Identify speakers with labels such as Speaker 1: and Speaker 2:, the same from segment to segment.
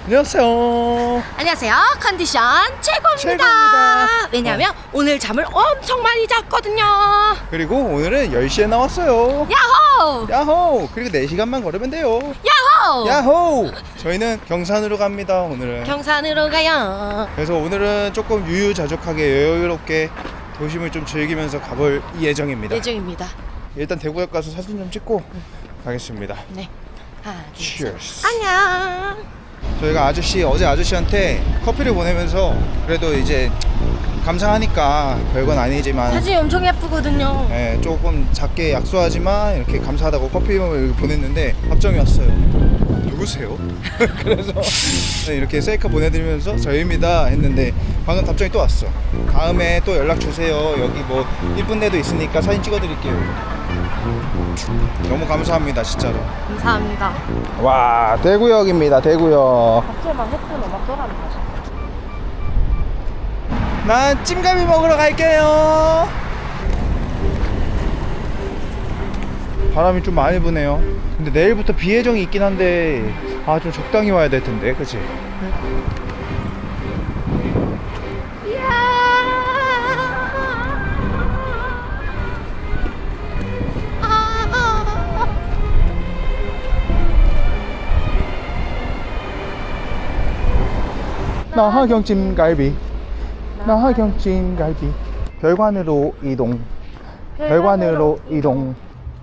Speaker 1: 안녕하세요.
Speaker 2: 안녕하세요. 컨디션 최고입니다. 왜냐하면 오늘 잠을 엄청 많이 잤거든요.
Speaker 1: 그리고 오늘은 10시에 나왔어요.
Speaker 2: 야호!
Speaker 1: 야호! 그리고 4시간만 걸으면 돼요.
Speaker 2: 야호!
Speaker 1: 야호! 저희는 경산으로 갑니다. 오늘은
Speaker 2: 경산으로 가요.
Speaker 1: 그래서 오늘은 조금 유유자적하게 여유롭게 도심을 좀 즐기면서 가볼 예정입니다.
Speaker 2: 예정입니다.
Speaker 1: 일단 대구역 가서 사진 좀 찍고 가겠습니다.
Speaker 2: 네. 하나, 둘, 셋.
Speaker 1: Cheers.
Speaker 2: 안녕.
Speaker 1: 저희가 어제 아저씨한테 커피를 보내면서 그래도 이제 감사하니까 별건 아니지만
Speaker 2: 사진이 엄청 예쁘거든요.
Speaker 1: 네, 조금 작게 약소하지만 이렇게 감사하다고 커피를 보냈는데 답장이 왔어요. 누구세요? 그래서 이렇게 셀카 보내드리면서 저희입니다 했는데 방금 답장이 또 왔어. 다음에 또 연락 주세요. 여기 뭐 이쁜 데도 있으니까 사진 찍어드릴게요. 너무 감사합니다 진짜로.
Speaker 2: 감사합니다.
Speaker 1: 와 대구역입니다. 대구역.
Speaker 2: 갑자기 막 예쁜 음악 떠난다.
Speaker 1: 난 찜갈비 먹으러 갈게요. 바람이 좀 많이 부네요. 근데 내일부터 비 예정이 있긴 한데 좀 적당히 와야 될 텐데, 그치? 나하경 찜갈비, 나하경 찜갈비. 별관으로 이동, 별관으로 이동.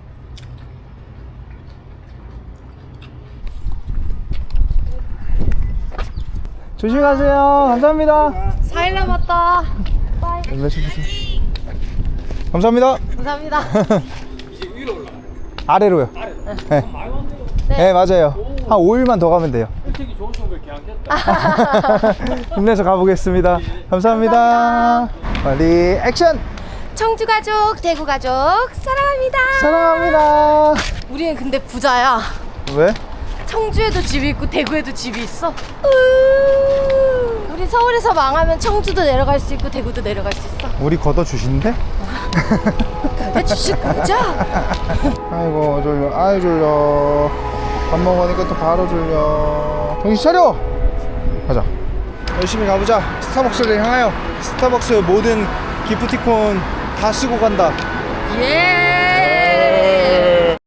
Speaker 1: 조심히 가세요. 감사합니다.
Speaker 2: 4일 남았다. 빠이.
Speaker 1: 감사합니다.
Speaker 2: 감사합니다.
Speaker 3: 이제 위로 올라가.
Speaker 1: 아래로요. 네.
Speaker 3: 많이 왔네요.
Speaker 1: 네, 맞아요. 한 5일만 더 가면 돼요.
Speaker 3: 일찍이 좋으신 걸 계약했다.
Speaker 1: 힘내서 가보겠습니다. 감사합니다. 빨리 액션!
Speaker 2: 청주 가족, 대구 가족 사랑합니다.
Speaker 1: 사랑합니다.
Speaker 2: 우리는 근데 부자야.
Speaker 1: 왜?
Speaker 2: 청주에도 집이 있고 대구에도 집이 있어. 우리 서울에서 망하면 청주도 내려갈 수 있고 대구도 내려갈 수 있어.
Speaker 1: 우리 걷어주시는데?
Speaker 2: 그래 주실 거죠?
Speaker 1: 아이고 졸려. 아이 졸려. 밥 먹으니까 또 바로 졸려. 정신 차려! 가자. 열심히 가보자. 스타벅스를 향하여. 스타벅스 모든 기프티콘 다 쓰고 간다.
Speaker 2: 예.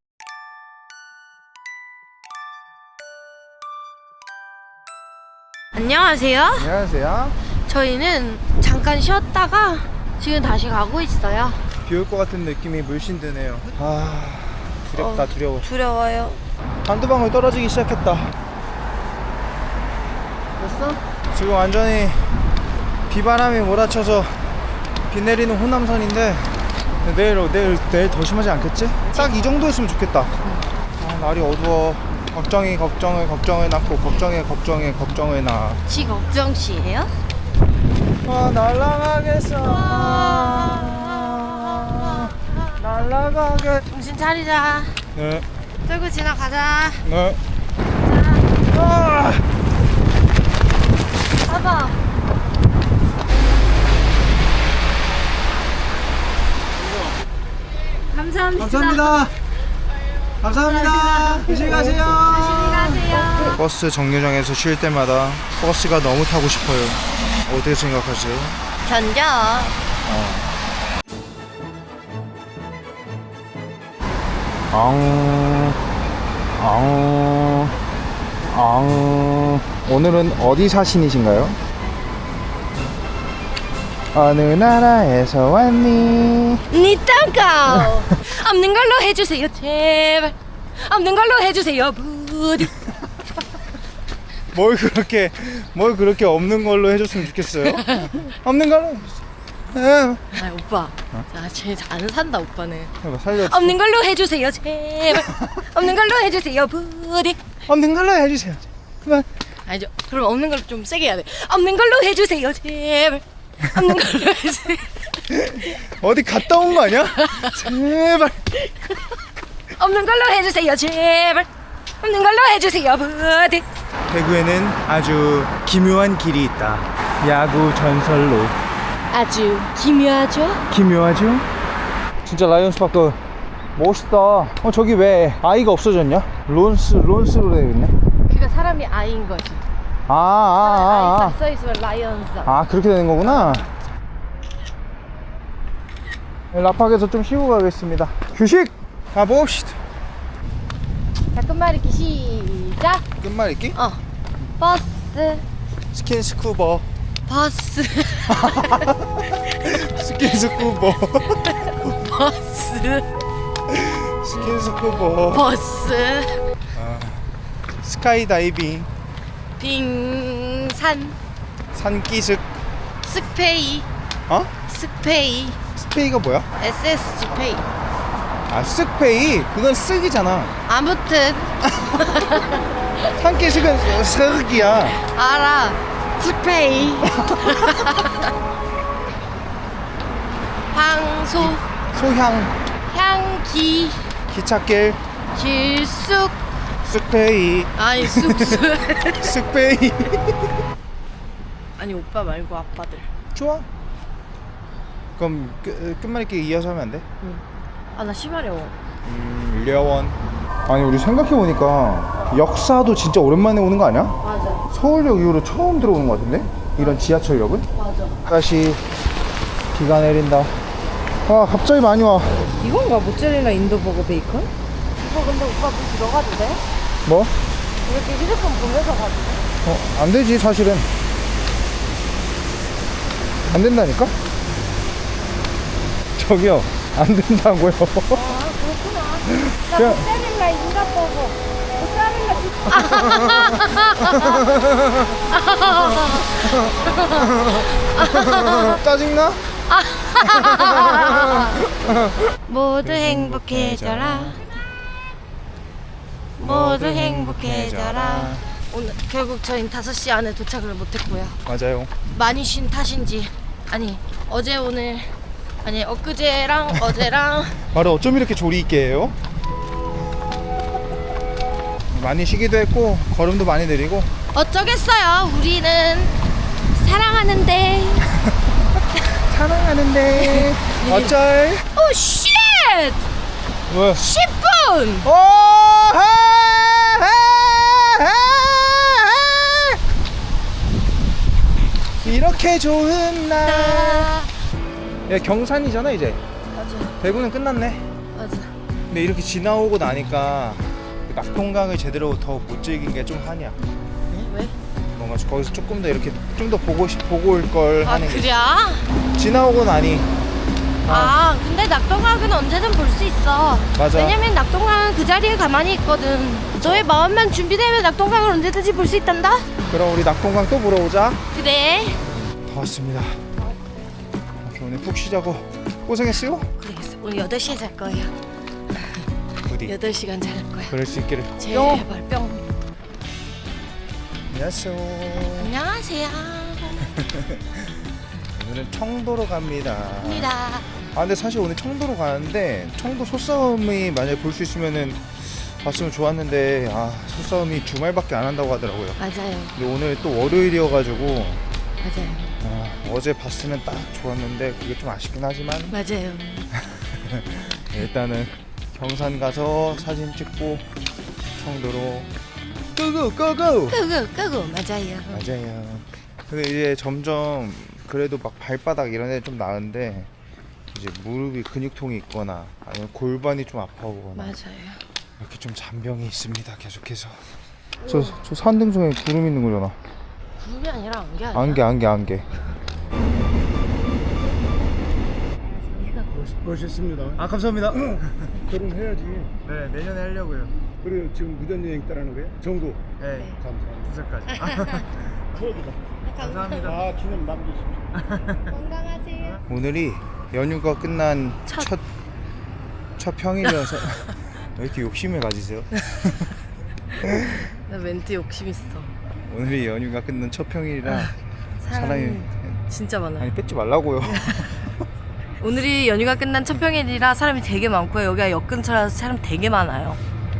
Speaker 2: 안녕하세요.
Speaker 1: 안녕하세요.
Speaker 2: 저희는 잠깐 쉬었다가 지금 다시 가고 있어요.
Speaker 1: 비 올 것 같은 느낌이 물씬 드네요. 두렵다. 두려워.
Speaker 2: 두려워요.
Speaker 1: 한두 방울 떨어지기 시작했다.
Speaker 2: 됐어?
Speaker 1: 지금 완전히 비바람이 몰아쳐서 비 내리는 호남선인데 내일 더 심하지 않겠지? 딱 이 정도였으면 좋겠다. 날이 어두워. 걱정을 낳고 걱정을 낳아.
Speaker 2: 지 걱정 씨예요?
Speaker 1: 날아가겠어. 날아가게.
Speaker 2: 정신 차리자.
Speaker 1: 네.
Speaker 2: 끌고 지나가자.
Speaker 1: 네.
Speaker 2: 봐봐. 감사합니다.
Speaker 1: 감사합니다. 조심히 가세요.
Speaker 2: 조심히 가세요.
Speaker 1: 버스 정류장에서 쉴 때마다 버스가 너무 타고 싶어요. 어떻게 생각하세요?
Speaker 2: 견뎌.
Speaker 1: 오늘은 어디 사신이신가요? 어느 나라에서 왔니?
Speaker 2: 니 땅가. 없는 걸로 해주세요 제발. 없는 걸로 해주세요 부디.
Speaker 1: 뭘 그렇게 없는 걸로 해줬으면 좋겠어요? 없는 걸로.
Speaker 2: 아 오빠. 쟤 안 산다 오빠는.
Speaker 1: 살려.
Speaker 2: 없는 걸로 해주세요 제발. 없는 걸로 해주세요 부디.
Speaker 1: 없는 걸로 해주세요. 그만.
Speaker 2: 아니죠. 그럼 없는 걸로 좀 세게 해야 돼. 없는 걸로 해주세요 제발. 없는 걸로 해주세요.
Speaker 1: 어디 갔다 온 거 아니야? 제발.
Speaker 2: 없는 걸로 해주세요 제발. 없는 걸로 해주세요 부디.
Speaker 1: 대구에는 아주 기묘한 길이 있다. 야구 전설로.
Speaker 2: 아주 기묘하죠?
Speaker 1: 기묘하죠? 진짜 라이온스 파크 멋있다. 저기 왜 아이가 없어졌냐? 론스로 되어 있네.
Speaker 2: 그가 사람이 아이인 거지. 다 써있으면 라이언스.
Speaker 1: 그렇게 되는 거구나. 라팍에서 좀 쉬고 가겠습니다. 휴식! 가봅시다.
Speaker 2: 자, 끝말잇기 시작.
Speaker 1: 끝말잇기?
Speaker 2: 버스.
Speaker 1: 스킨스쿠버.
Speaker 2: 버스.
Speaker 1: 스킨스쿠버.
Speaker 2: 버스.
Speaker 1: 스킨스쿠버.
Speaker 2: 버스.
Speaker 1: 스카이다이빙.
Speaker 2: 빙산.
Speaker 1: 산기슭.
Speaker 2: 스페이. 스페이.
Speaker 1: 스페이가 뭐야?
Speaker 2: SSG페이.
Speaker 1: 쓱페이? 그건 쓱이잖아.
Speaker 2: 아무튼
Speaker 1: 산기슭은 쓱이야.
Speaker 2: 알아. 스페이. 황소.
Speaker 1: 소향.
Speaker 2: 향기.
Speaker 1: 기찻길.
Speaker 2: 길숙.
Speaker 1: 쓱페이.
Speaker 2: 아니 쑥쑥.
Speaker 1: 쓱페이.
Speaker 2: 아니 오빠 말고 아빠들.
Speaker 1: 좋아. 그럼 끝말잇기 이어서 하면 안 돼?
Speaker 2: 아 나 심하려워.
Speaker 1: 려원. 아니 우리 생각해보니까 역사도 진짜 오랜만에 오는 거 아니야?
Speaker 2: 맞아.
Speaker 1: 서울역 이후로 처음 들어오는 거 같은데? 이런 지하철역은?
Speaker 2: 맞아.
Speaker 1: 다시 비가 내린다. 갑자기 많이 와.
Speaker 2: 이건가 모짜렐라 인도버거 베이컨? 이거 근데 오빠 뭐 들어가도 돼?
Speaker 1: 뭐?
Speaker 2: 이렇게 휴대폰 보면서 가도 돼?
Speaker 1: 안 되지 사실은. 안 된다니까? 저기요, 안 된다고요.
Speaker 2: 그렇구나. 나
Speaker 1: 그냥-
Speaker 2: 모짜렐라 인도버거. 모짜렐라
Speaker 1: 짜증나?
Speaker 2: 모두 행복해져라. 모두 행복해져라. 오늘 결국 저희는 5시 안에 도착을 못했고요.
Speaker 1: 맞아요.
Speaker 2: 많이 쉰 탓인지 아니 어제 오늘 아니 엊그제랑 어제랑
Speaker 1: 말을 어쩜 이렇게 조리 있게 해요? 많이 쉬기도 했고 걸음도 많이 느리고.
Speaker 2: 어쩌겠어요. 우리는 사랑하는데.
Speaker 1: 사랑하는데 어쩔?
Speaker 2: 오 쉣!
Speaker 1: 왜?
Speaker 2: 10분!
Speaker 1: 이렇게 좋은 날. 야, 경산이잖아 이제.
Speaker 2: 맞아.
Speaker 1: 대구는 끝났네.
Speaker 2: 맞아.
Speaker 1: 근데 이렇게 지나오고 나니까 그 낙동강을 제대로 더 못 즐긴 게 좀 한이야.
Speaker 2: 네? 왜?
Speaker 1: 뭔가 거기서 조금 더 이렇게 좀 더 보고 올 걸
Speaker 2: 아
Speaker 1: 하는 게.
Speaker 2: 그래?
Speaker 1: 지나오고 나니.
Speaker 2: 근데 낙동강은 언제든 볼 수 있어.
Speaker 1: 맞아.
Speaker 2: 왜냐면 낙동강은 그 자리에 가만히 있거든. 너의 마음만 준비되면 낙동강을 언제든지 볼 수 있단다.
Speaker 1: 그럼 우리 낙동강 또 보러 오자.
Speaker 2: 그래.
Speaker 1: 다 왔습니다. 이렇게 오늘 푹 쉬자고. 고생했어요.
Speaker 2: 그러겠어. 오늘 8시에 잘 거예요.
Speaker 1: 부디
Speaker 2: 8시간 잘 거야.
Speaker 1: 그럴 수 있기를.
Speaker 2: 제발 뿅.
Speaker 1: 안녕하세요.
Speaker 2: 안녕하세요.
Speaker 1: 오늘은 청도로 갑니다.
Speaker 2: 입니다.
Speaker 1: 근데 사실 오늘 청도로 가는데 청도 소싸움이 만약에 볼 수 있으면은 봤으면 좋았는데 소싸움이 주말밖에 안 한다고 하더라고요.
Speaker 2: 맞아요.
Speaker 1: 근데 오늘 또 월요일이어가지고
Speaker 2: 맞아요.
Speaker 1: 어제 봤으면 딱 좋았는데 그게 좀 아쉽긴 하지만
Speaker 2: 맞아요.
Speaker 1: 일단은 경산 가서 사진 찍고 청도로 고고 고고.
Speaker 2: 끄고 맞아요.
Speaker 1: 맞아요. 근데 이제 점점 그래도 막 발바닥 이런 데 좀 나은데 이제 무릎이 근육통이 있거나 아니면 골반이 좀 아파오거나
Speaker 2: 맞아요.
Speaker 1: 이렇게 좀 잔병이 있습니다. 계속해서. 저 산등성에 구름 있는 거잖아.
Speaker 2: 구름이 아니라 안개 아니야?
Speaker 1: 안개.
Speaker 3: 멋있습니다.
Speaker 1: 감사합니다.
Speaker 3: 결혼해야지.
Speaker 1: 네, 내년에 하려고요.
Speaker 3: 그래 지금 무전여행 따라는 거야? 정도.
Speaker 1: 네,
Speaker 3: 감사합니다.
Speaker 1: 2살까지.
Speaker 3: 추억이다.
Speaker 1: 감사합니다.
Speaker 3: 기념 남기십시오.
Speaker 2: 건강하세요.
Speaker 1: 오늘이 연휴가 끝난
Speaker 2: 첫-
Speaker 1: 첫 평일이어서 왜 이렇게 욕심을 가지세요?
Speaker 2: 나 멘트 욕심 있어.
Speaker 1: 오늘이 연휴가 끝난 첫 평일이라 사람이
Speaker 2: 진짜 많아요.
Speaker 1: 아니 뺏지 말라고요.
Speaker 2: 오늘이 연휴가 끝난 첫 평일이라 사람이 되게 많고요. 여기가 역 근처라서 사람 되게 많아요.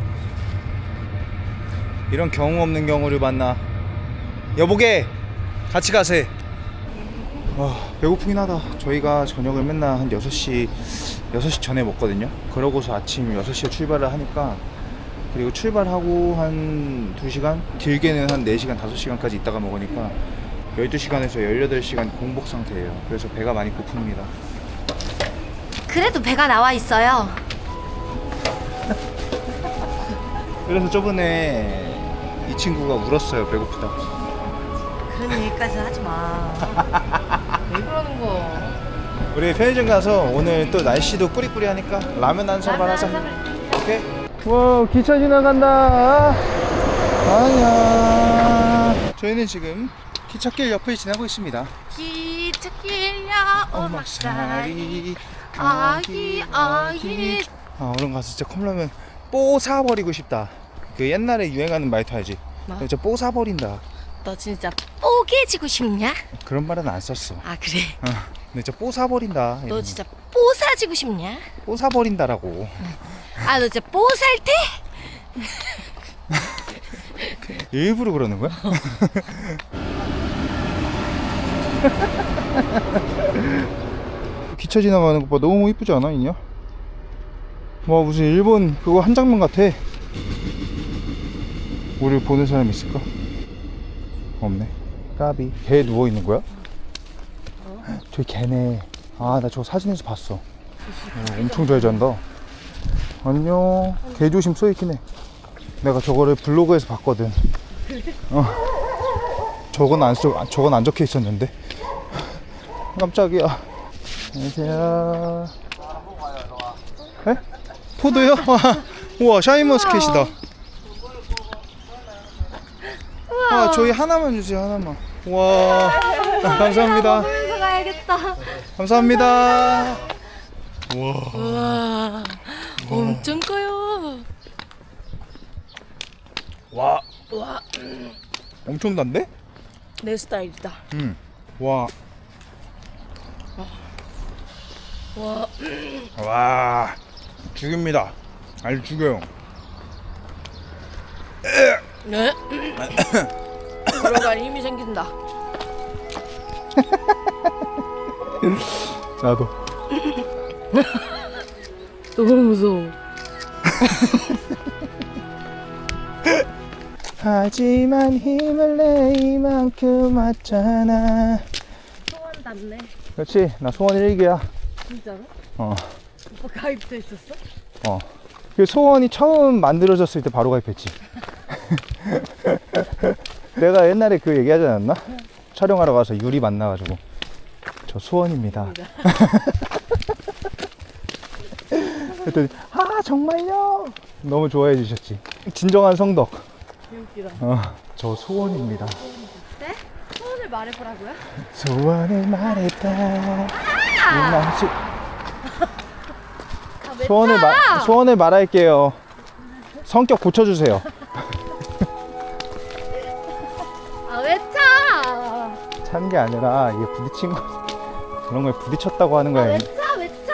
Speaker 1: 이런 경우 없는 경우를 만나. 여보게 같이 가세. 배고프긴 하다. 저희가 저녁을 맨날 한 6시 전에 먹거든요. 그러고서 아침 6시에 출발을 하니까 그리고 출발하고 한 2시간, 길게는 한 4시간, 5시간까지 있다가 먹으니까 12시간에서 18시간 공복 상태예요. 그래서 배가 많이 고픕니다.
Speaker 2: 그래도 배가 나와 있어요.
Speaker 1: 그래서 저번에 이 친구가 울었어요. 배고프다.
Speaker 2: 그런 얘기까지 하지 마. 왜 그러는 거?
Speaker 1: 우리 편의점 가서 오늘 또 날씨도 꾸리꾸리하니까 라면 한 사발 하자. 오케이? 와, 기차 지나간다. 아니야. 저희는 지금 기찻길 옆을 지나고 있습니다.
Speaker 2: 기찻길려 오막살이 아기.
Speaker 1: 아, 얼른 가서 진짜 컵라면 뽀사버리고 싶다. 그 옛날에 유행하는 말투 알지?
Speaker 2: 뭐?
Speaker 1: 진짜 뽀사버린다.
Speaker 2: 너 진짜 뽀개지고 싶냐?
Speaker 1: 그런 말은 안 썼어.
Speaker 2: 아 그래?
Speaker 1: 근데 진짜 뽀사버린다.
Speaker 2: 너
Speaker 1: 이러면.
Speaker 2: 진짜 뽀사지고 싶냐?
Speaker 1: 뽀사버린다라고.
Speaker 2: 아 너 진짜 뽀살때?
Speaker 1: 일부러 그러는 거야? 기차 지나가는 것 봐. 너무 이쁘지 않아, 이냐? 와, 무슨 일본 그거 한 장면 같아. 우리를 보는 사람 있을까? 없네. 까비. 개 누워 있는 거야? 저기 개네. 아, 나 저거 사진에서 봤어. 엄청 잘 잔다. 안녕. 개 조심 써있긴 해. 내가 저거를 블로그에서 봤거든. 저건 안 적혀 있었는데. 깜짝이야. 안녕하세요. 에? 포도요? 우와, 샤인머스켓이다. 와, 저희 하나만 주세요, 하나만. 와, 감사합니다.
Speaker 2: 보면서 가야겠다.
Speaker 1: 감사합니다.
Speaker 2: 우와, 엄청 커요.
Speaker 1: 와,
Speaker 2: 와,
Speaker 1: 엄청 단데?
Speaker 2: 내 스타일이다.
Speaker 1: 와,
Speaker 2: 와,
Speaker 1: 와, 죽입니다. 아주 죽여요.
Speaker 2: 네? 걸어갈 힘이 생긴다.
Speaker 1: 나도.
Speaker 2: 너무 무서워.
Speaker 1: 하지만 힘을 내 이만큼 왔잖아.
Speaker 2: 소원 닿네.
Speaker 1: 그렇지, 나 소원 일기야.
Speaker 2: 진짜로?
Speaker 1: 어.
Speaker 2: 오빠 가입돼 있었어?
Speaker 1: 그 소원이 처음 만들어졌을 때 바로 가입했지. 내가 옛날에 그 얘기하지 않았나? 촬영하러 가서 유리 만나가지고 저 소원입니다. 그랬더니 아 정말요? 너무 좋아해 주셨지. 진정한 성덕.
Speaker 2: 웃기다.
Speaker 1: 저 소원입니다.
Speaker 2: 네? 소원을 말해보라고요?
Speaker 1: 소원을 말했다. 이 맛이...
Speaker 2: 왜
Speaker 1: 소원을 말할게요. 성격 고쳐주세요.
Speaker 2: 왜 차?
Speaker 1: 찬 게 아니라 이게 부딪힌 거 그런 거에 부딪혔다고 하는 거야.
Speaker 2: 왜 차?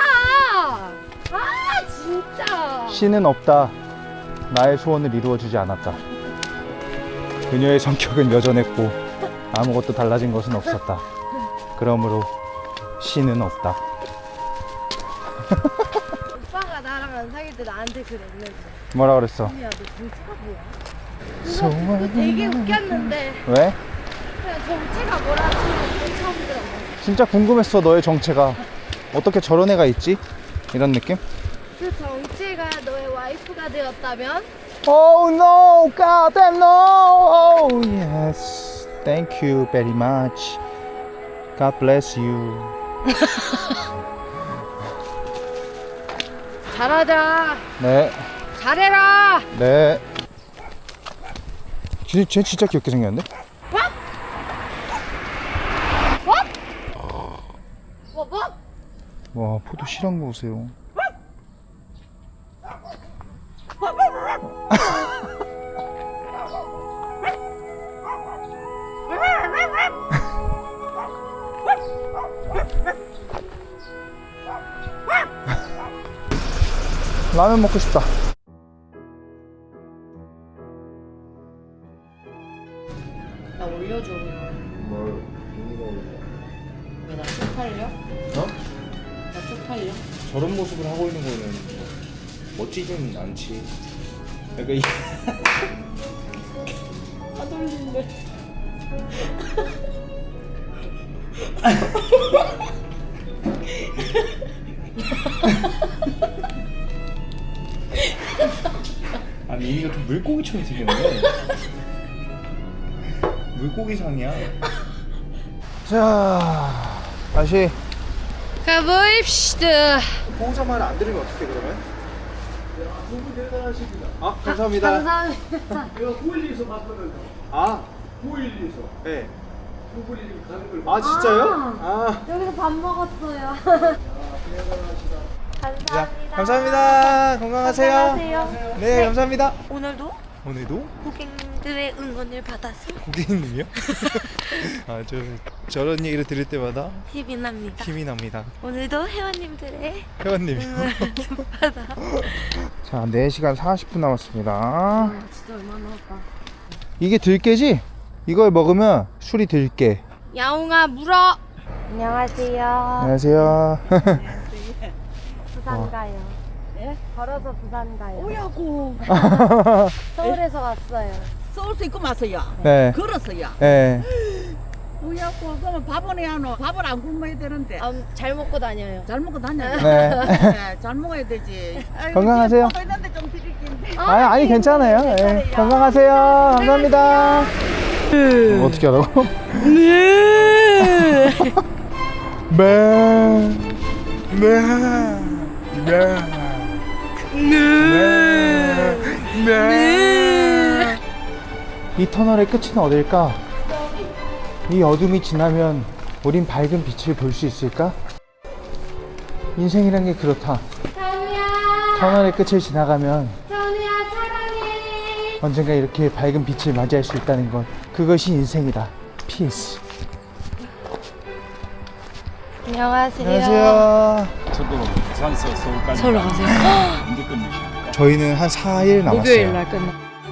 Speaker 2: 아 진짜.
Speaker 1: 신은 없다. 나의 소원을 이루어주지 않았다. 그녀의 성격은 여전했고 아무것도 달라진 것은 없었다. 그러므로 신은 없다.
Speaker 2: 오빠가 나랑 안 사귈 때 나한테 그랬는데.
Speaker 1: 뭐라 그랬어?
Speaker 2: 야, 너 정체가 뭐야? 너
Speaker 1: 소원을
Speaker 2: 되게 웃겼는데
Speaker 1: 왜?
Speaker 2: 그냥 정체가 뭐라지 처음 들어.
Speaker 1: 진짜 궁금했어. 너의 정체가 어떻게 저런 애가 있지? 이런 느낌?
Speaker 2: 그 정체가 너의 와이프가 되었다면?
Speaker 1: Oh no, God damn no. Oh yes, thank you very much. God bless you.
Speaker 2: 잘하자.
Speaker 1: 네,
Speaker 2: 잘해라.
Speaker 1: 네. 쟤 진짜 귀엽게 생겼는데?
Speaker 2: 뭐?
Speaker 1: 와, 포도 실한 거 보세요. 라면 먹고 싶다.
Speaker 2: 나 올려줘. 왜 나 쪽팔려?
Speaker 1: 어?
Speaker 2: 나 쪽팔려?
Speaker 1: 저런 모습을 하고 있는 거는 멋지진 않지. 약간 이
Speaker 2: 안 돌리네.
Speaker 1: 아니 이미가 좀 물고기처럼 생겼네. 물고기상이야. 자, 다시
Speaker 2: 가보입시다.
Speaker 1: 보호자 말 안 들으면 어떻게 그러면?
Speaker 3: 너무 대단하십니다.
Speaker 1: 아, 감사합니다.
Speaker 2: 감사합니다.
Speaker 3: 내가 912에서 봤거든요.
Speaker 1: 아,
Speaker 3: 912에서
Speaker 1: 네.
Speaker 3: 두 분이 가는 걸
Speaker 1: 아, 진짜요? 아.
Speaker 2: 여기서 밥 먹었어요.
Speaker 1: 자, 감사합니다. 건강하세요.
Speaker 2: 건강하세요.
Speaker 1: 네, 감사합니다.
Speaker 2: 오늘도
Speaker 1: 오늘도
Speaker 2: 고객님들의 응원을 받아서
Speaker 1: 고객님이요? 아, 저런 얘기를 들을 때마다
Speaker 2: 힘이 납니다.
Speaker 1: 힘이 납니다.
Speaker 2: 오늘도 회원님들의
Speaker 1: 회원님.
Speaker 2: 응원을 좀 받아.
Speaker 1: 자, 4시간 40분 남았습니다.
Speaker 2: 진짜 얼마 남았다.
Speaker 1: 이게 들깨지? 이걸 먹으면 술이 들깨.
Speaker 2: 야옹아 물어. 안녕하세요.
Speaker 1: 안녕하세요.
Speaker 2: 부산 가요. 예? 걸어서 부산 가요.
Speaker 4: 오야고
Speaker 2: 서울에서 왔어요.
Speaker 4: 서울서 입고 왔어요.
Speaker 1: 네.
Speaker 4: 걸었어요.
Speaker 1: 네.
Speaker 4: 오야고 그러면 밥은 해야 하노. 밥을 안 굶어야 되는데.
Speaker 2: 잘 먹고 다녀요.
Speaker 4: 잘 먹고 다녀요.
Speaker 1: 네.
Speaker 4: 네, 잘 먹어야 되지. 아이고,
Speaker 1: 건강하세요.
Speaker 4: 지금 먹고 있는데 좀 드릴게.
Speaker 1: 아니 괜찮아요. 네. 건강하세요. 감사합니다. 어떻게 하라고?
Speaker 2: 네.
Speaker 1: 네. 네. 네. 이 터널의 끝은 어딜까? 이 어둠이 지나면 우린 밝은 빛을 볼 수 있을까? 인생이란 게 그렇다.
Speaker 2: 선우야.
Speaker 1: 터널의 끝을 지나가면
Speaker 2: 선우야 사랑해.
Speaker 1: 언젠가 이렇게 밝은 빛을 맞이할 수 있다는 것, 그것이 인생이다. 피스.
Speaker 2: 안녕하세요.
Speaker 1: 안녕하세요.
Speaker 5: 저도 부산에서 서울까지
Speaker 2: 서울 가세요?
Speaker 5: 언제 끝내십니까?
Speaker 1: 저희는 한 4일 남았어요.
Speaker 2: 목요일 날 끝나.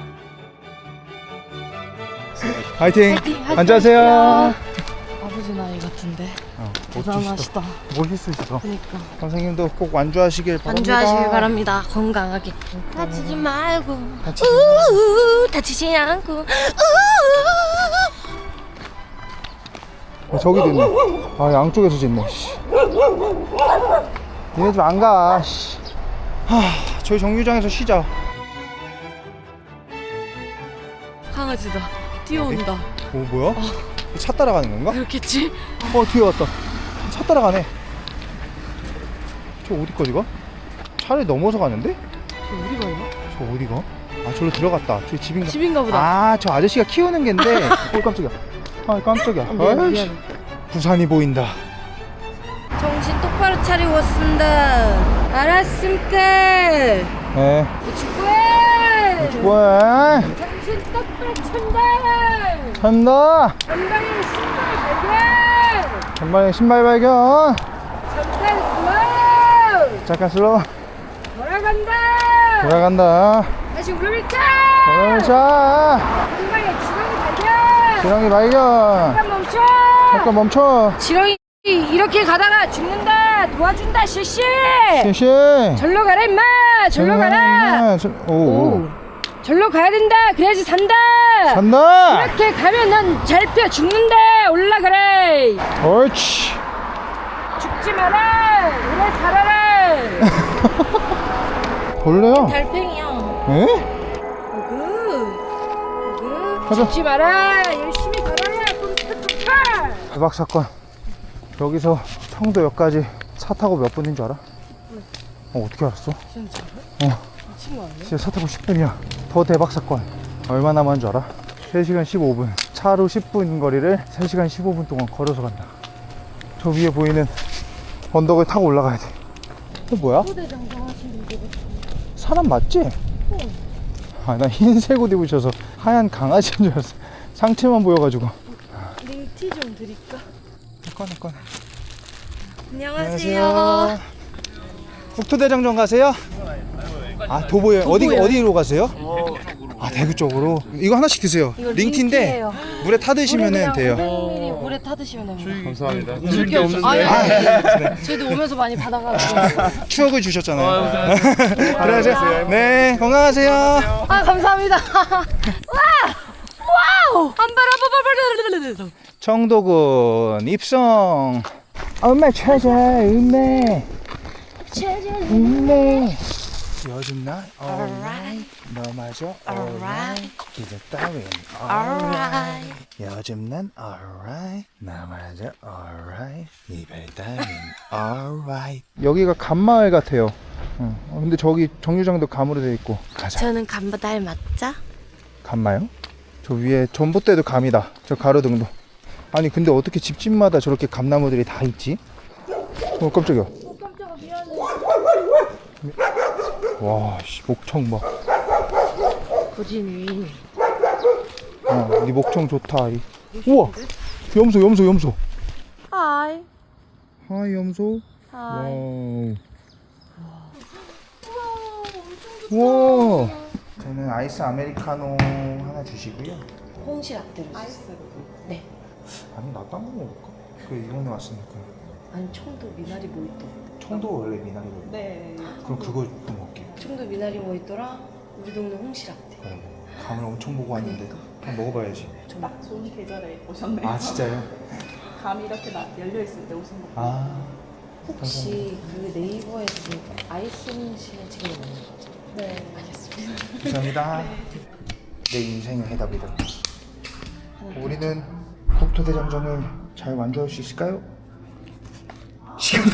Speaker 1: 화이팅!
Speaker 2: 화이팅!
Speaker 1: 앉으세요.
Speaker 2: 아버지 나이 같은데.
Speaker 1: 멋지시다.
Speaker 2: 대단하시다.
Speaker 1: 멋있으시다.
Speaker 2: 그니까.
Speaker 1: 선생님도 꼭 완주하시길 바랍니다.
Speaker 2: 안주하시길 바랍니다. 건강하게. 다치지 말고.
Speaker 1: 다치지
Speaker 2: 다치지 않고.
Speaker 1: 저기도 있네. 아, 양쪽에서 짖네. 씨. 니네 집 안 가. 씨. 저희 정류장에서 쉬자.
Speaker 2: 강아지다. 뛰어온다.
Speaker 1: 오, 뭐야? 차 따라가는 건가?
Speaker 2: 그렇겠지?
Speaker 1: 뒤에 왔다. 차 따라가네. 저 어디 거지, 이거? 차를 넘어서 가는데?
Speaker 2: 저 어디 가요?
Speaker 1: 저 어디가? 아, 저로 들어갔다. 저기 집인가?
Speaker 2: 집인가 보다.
Speaker 1: 아, 저 아저씨가 키우는 갠데. 깜짝이야. 아, 깜짝이야.
Speaker 2: 미안.
Speaker 1: 아이씨. 부산이 보인다.
Speaker 2: 정신 똑바로 차리고 왔습니다. 알았습니다.
Speaker 1: 네.
Speaker 2: 축구해.
Speaker 1: 뭐해?
Speaker 2: 정신 똑바로 찬다.
Speaker 1: 찬다.
Speaker 2: 전방에 신발 발견.
Speaker 1: 전방에 신발 발견.
Speaker 2: 잠깐 슬로우.
Speaker 1: 잠깐 슬로우.
Speaker 2: 돌아간다.
Speaker 1: 돌아간다.
Speaker 2: 다시 우르르차.
Speaker 1: 자,
Speaker 2: 전방에 지렁이 발견.
Speaker 1: 지렁이 발견.
Speaker 2: 잠깐 멈춰.
Speaker 1: 잠깐 멈춰.
Speaker 2: 지렁이 이렇게 가다가 죽는다. 도와준다 실시.
Speaker 1: 시시.
Speaker 2: 절로 가라 임마. 절로 가라.
Speaker 1: 오.
Speaker 2: 절로 가야 된다. 그래야지 산다.
Speaker 1: 간다.
Speaker 2: 이렇게 가면 넌 잘 펴 죽는다. 올라가래.
Speaker 1: 옳지.
Speaker 2: 죽지 마라. 오래 살아라.
Speaker 1: 벌레야.
Speaker 2: 달팽이야.
Speaker 1: 에? 가자.
Speaker 2: 죽지 마라. 열심히 살아라. 꼼짝꼼짝.
Speaker 1: 대박 사건. 여기서 청도역까지 차 타고 몇 분인 줄 알아? 어떻게 알았어?
Speaker 2: 진짜로?
Speaker 1: 미친 거 아니야? 진짜 차 타고 10분이야. 더 대박 사건. 얼마 남은 줄 알아? 3시간 15분. 차로 10분 거리를 3시간 15분 동안 걸어서 간다. 저 위에 보이는 언덕을 타고 올라가야 돼. 이거 뭐야? 사람 맞지? 아, 나 흰색 옷 입으셔서 하얀 강아지인 줄 알았어. 상체만 보여가지고.
Speaker 2: 링티 좀 드릴까?
Speaker 1: 꺼내.
Speaker 2: 안녕하세요.
Speaker 1: 국토대장정 가세요? 아, 도보여행. 어디로 가세요? 아, 대구 쪽으로. 이거 하나씩 드세요.
Speaker 2: 이거
Speaker 1: 링티인데
Speaker 2: 링티예요.
Speaker 1: 물에 타드시면은 돼요.
Speaker 2: 500ml 물에 타드시면 됩니다.
Speaker 6: 감사합니다.
Speaker 3: 줄게 없는데.
Speaker 2: 아니, 저희도 오면서 많이 받아가지고.
Speaker 1: 추억을 주셨잖아요. 그래서 네, 건강하세요.
Speaker 2: 아, 감사합니다. 와우! 안바라바바바바바바바바.
Speaker 1: 청도군 입성. 엄마 찾아 음메. 음메. 요즘 날 alright. 너마저 alright. 기대 따윈 alright. 요즘 난 alright. 나마저 alright. 이별 따윈 alright. 여기가 감마을 같아요. 근데 저기 정류장도 감으로 되어 있고. 가자.
Speaker 2: 저는 감바달 맞자?
Speaker 1: 감마요? 저 위에 전봇대도 감이다. 저 가로등도. 아니 근데 어떻게 집집마다 저렇게 감나무들이 다 있지? 깜짝이야.
Speaker 2: 깜짝아, 미안해.
Speaker 1: 와, 씨, 목청 봐.
Speaker 2: 고진이.
Speaker 1: 네 목청 좋다. 우와, 염소.
Speaker 2: 하이.
Speaker 1: 하이 염소.
Speaker 2: 하이.
Speaker 1: 와우. 저는 아이스 아메리카노 하나 주시고요.
Speaker 2: 홍시 라떼로 주세요. 네.
Speaker 1: 아니 나도 한번 먹어볼까? 그 이번에 왔으니까.
Speaker 2: 아니, 청도 미나리 모히또.
Speaker 1: 청도 원래 미나리거든요.
Speaker 2: 네.
Speaker 1: 그럼 그거 좀 먹을게요.
Speaker 2: 청도 미나리 모히또랑 우리 동네 홍시 라떼.
Speaker 1: 그래. 감을 엄청 보고 왔는데 한번 먹어봐야지.
Speaker 4: 딱 좋은 계절에 오셨네요.
Speaker 1: 아 진짜요?
Speaker 4: 감이 이렇게 열려 있을 때 오신 거.
Speaker 1: 아.
Speaker 2: 혹시 그 네이버에 그 아이스 홍시는 지금 있는 거죠? 네. 알겠습니다.
Speaker 1: 감사합니다. 내 인생의 해답이다. 우리는 국토대장정을 잘 완주할 수 있을까요? 시간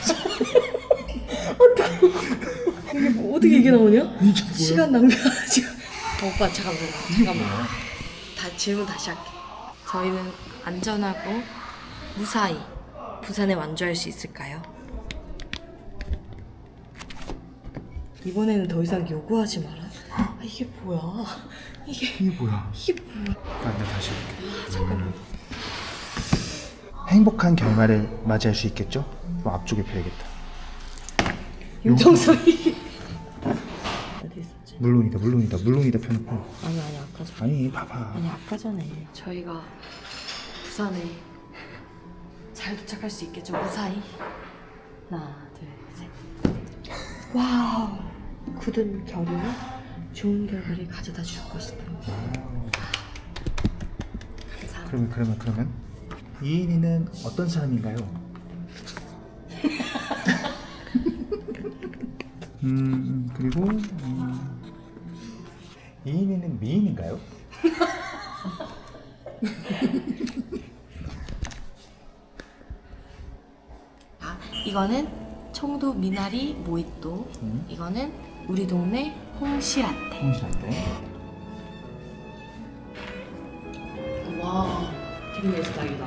Speaker 2: 어떻게 이게 나오냐? 시간 낭비하지. 오빠 잠깐만. 다 질문 다시 할게. 저희는 안전하고 무사히 부산에 완주할 수 있을까요? 이번에는 더 이상 요구하지 마라. 아, 이게 뭐야?
Speaker 1: 이게 뭐야?
Speaker 2: 이게 뭐야?
Speaker 1: 나 다시 볼게.
Speaker 2: 잠깐만.
Speaker 1: 행복한 결말을 맞이할 수 있겠죠? 그럼 앞쪽에 펴야겠다.
Speaker 2: 윤정선이. 어디 있었지?
Speaker 1: 물론이다 펴놓고.
Speaker 2: 아니 아까 전에.
Speaker 1: 아니 봐봐.
Speaker 2: 아니 아까 전에 저희가 부산에 잘 도착할 수 있겠죠? 무사히. 하나, 둘, 셋. 와우. 굳은 결의는 좋은 결과를 가져다 줄 것이다. 감사합니다.
Speaker 1: 그러면 이인이는 어떤 사람인가요? 그리고 이인이는 미인인가요?
Speaker 2: 아, 이거는 청도 미나리 모히또. 이거는 우리 동네 홍시라떼.
Speaker 1: 홍시라떼.
Speaker 2: 와, 되게 내 스타일이다.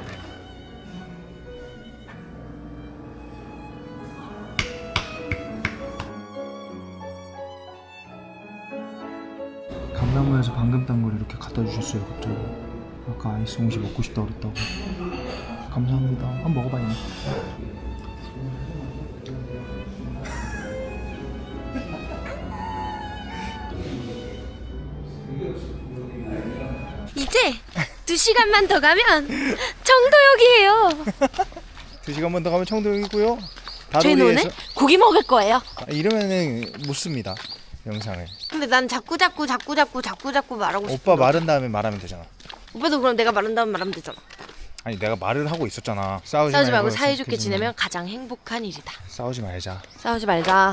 Speaker 1: 감나무에서 방금 딴 걸 이렇게 갖다 주셨어요 갑자기. 아까 아이스 홍시 먹고 싶다 그랬다고. 감사합니다. 한번 먹어봐요.
Speaker 2: 이제 2시간만 더 가면 청도역이에요.
Speaker 1: 2시간만 더 가면 청도역이고요.
Speaker 2: 저희는 오늘 고기 먹을 거예요.
Speaker 1: 이러면은 못 씁니다 영상을.
Speaker 2: 근데 난 자꾸 말하고 싶어.
Speaker 1: 오빠 마른 다음에 말하면 되잖아.
Speaker 2: 오빠도 그럼 내가 마른 다음 말하면 되잖아.
Speaker 1: 아니 내가 말을 하고 있었잖아. 싸우지
Speaker 2: 말고
Speaker 1: 말고
Speaker 2: 사이좋게
Speaker 1: 이렇게
Speaker 2: 지내면 가장 행복한 일이다.
Speaker 1: 싸우지 말자.
Speaker 2: 싸우지 말자.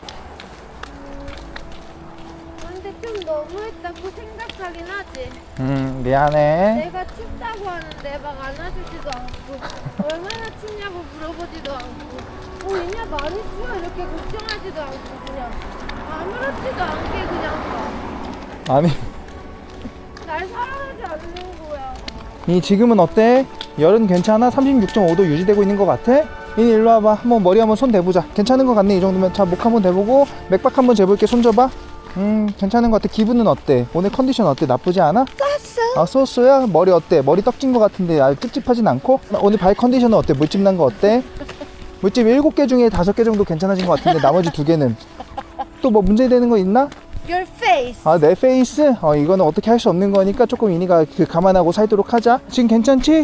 Speaker 7: 근데 좀 너무했다고 생각하긴 하지.
Speaker 1: 미안해.
Speaker 7: 내가 춥다고 하는데 막 안아주지도 않고 얼마나 춥냐고 물어보지도 않고 있냐 많이 추워 이렇게 걱정하지도 않고 그냥 아무렇지도 않게 그냥
Speaker 1: 아니
Speaker 7: 날 사랑하지 않는 거야.
Speaker 1: 이 지금은 어때? 열은 괜찮아? 36.5도 유지되고 있는 것 같아? 이니 일로 와봐. 한번 머리 한번 손 대보자. 괜찮은 것 같네 이 정도면. 자 목 한번 대보고 맥박 한번 재볼게. 손 줘봐. 괜찮은 것 같아. 기분은 어때? 오늘 컨디션 어때? 나쁘지 않아? 쏘쏘. 아 쏘쏘야? 머리 어때? 머리 떡진 것 같은데 아주 찝찝하진 않고? 오늘 발 컨디션은 어때? 물집 난 거 어때? 물집 7개 중에 5개 정도 괜찮아진 것 같은데 나머지 2개는 또 뭐 문제되는 거 있나?
Speaker 7: Your face.
Speaker 1: 아, 내 페이스? 이거는 어떻게 할 수 없는 거니까 조금 이니가 감안하고 살도록 하자. 지금 괜찮지?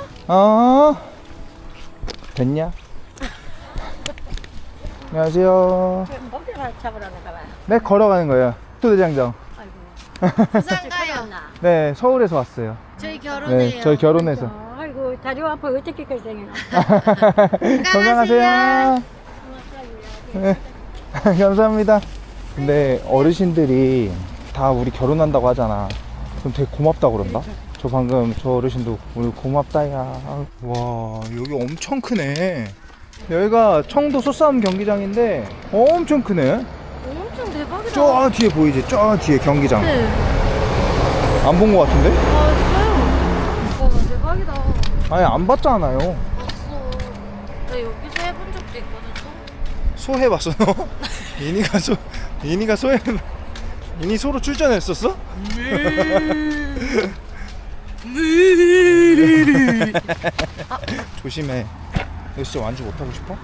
Speaker 1: 됐냐? 안녕하세요.
Speaker 4: 먹대가 잡으러 나가봐.
Speaker 1: 네, 걸어가는 거예요. 토대장정.
Speaker 7: 부산 가요.
Speaker 1: 네, 서울에서 왔어요.
Speaker 7: 저희 결혼해요.
Speaker 1: 네, 저희 결혼해서.
Speaker 4: 아이고 다리 아파 어떻게까지 생겨?
Speaker 1: 건강하세요. 네, 감사합니다. 근데 어르신들이 다 우리 결혼한다고 하잖아. 그럼 되게 고맙다고 그런다. 저 방금 저 어르신도 오늘 고맙다야. 와, 여기 엄청 크네. 여기가 청도 소싸움 경기장인데 엄청 크네.
Speaker 7: 엄청 대박이다.
Speaker 1: 저 뒤에 보이지? 저 뒤에 경기장.
Speaker 7: 네.
Speaker 1: 안 본 거 같은데?
Speaker 7: 아, 진짜요? 와, 대박이다.
Speaker 1: 아니, 안 봤잖아요.
Speaker 7: 봤어. 나 여기서 해본 적도 있거든.
Speaker 1: 소 해봤어 너? 이니가 소해. 이니 소로 출전했었어? 조심해. 너 진짜 완주 못하고 싶어?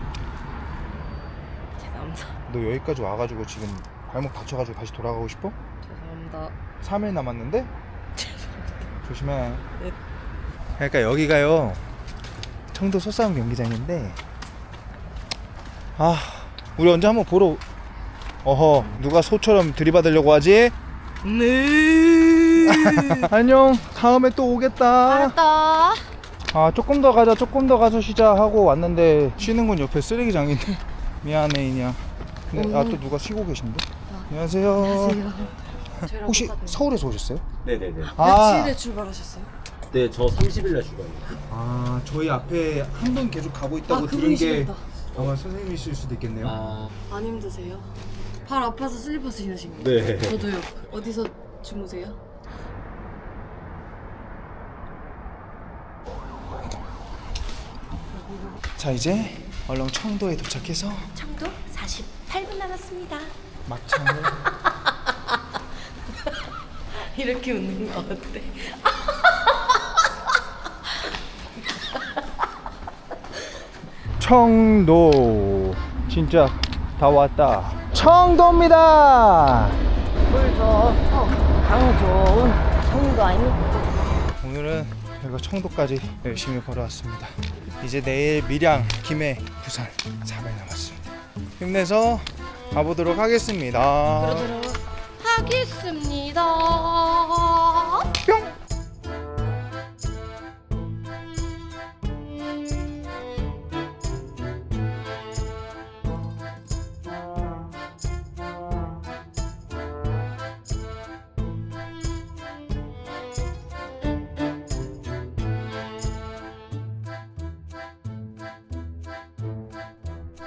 Speaker 2: 죄송합니다.
Speaker 1: 너 여기까지 와가지고 지금 발목 다쳐가지고 다시 돌아가고 싶어?
Speaker 2: 죄송합니다.
Speaker 1: 3일 남았는데? 조심해. 그러니까 여기가요 청도 소싸움 경기장인데, 아, 우리 언제 한번 보러. 어허, 누가 소처럼 들이받으려고 하지? 네. 안녕. 다음에 또 오겠다.
Speaker 7: 알았다.
Speaker 1: 아, 조금 더 가서 쉬자 하고 왔는데 쉬는 건 옆에 쓰레기장인데. 미안해 이니야. 근데 또 누가 쉬고 계신데? 안녕하세요.
Speaker 2: 저희랑
Speaker 1: 혹시
Speaker 2: 똑같네요.
Speaker 1: 서울에서 오셨어요?
Speaker 6: 네네네.
Speaker 2: 며칠에 출발하셨어요?
Speaker 6: 네, 저 30일날 출발입니다.
Speaker 1: 아, 저희 앞에 한 분 계속 가고 있다고 들은 게
Speaker 2: 그분이시겠다.
Speaker 1: 아마 선생님이실 수도 있겠네요.
Speaker 2: 안 힘드세요? 발 아파서 슬리퍼 신으신 거예요?
Speaker 6: 네.
Speaker 2: 저도요. 어디서 주무세요?
Speaker 1: 자, 이제 얼렁 청도에 도착해서
Speaker 2: 청도 48분 남았습니다.
Speaker 1: 막창을
Speaker 2: 이렇게 웃는 거 어때?
Speaker 1: 청도 진짜 다 왔다. 청도입니다.
Speaker 4: 강 좋은 청도 아닙니까?
Speaker 1: 오늘은 여기가 청도까지 열심히 걸어왔습니다. 이제 내일 밀양, 김해, 부산 4일 남았습니다. 힘내서 가보도록 하겠습니다.
Speaker 7: 하겠습니다.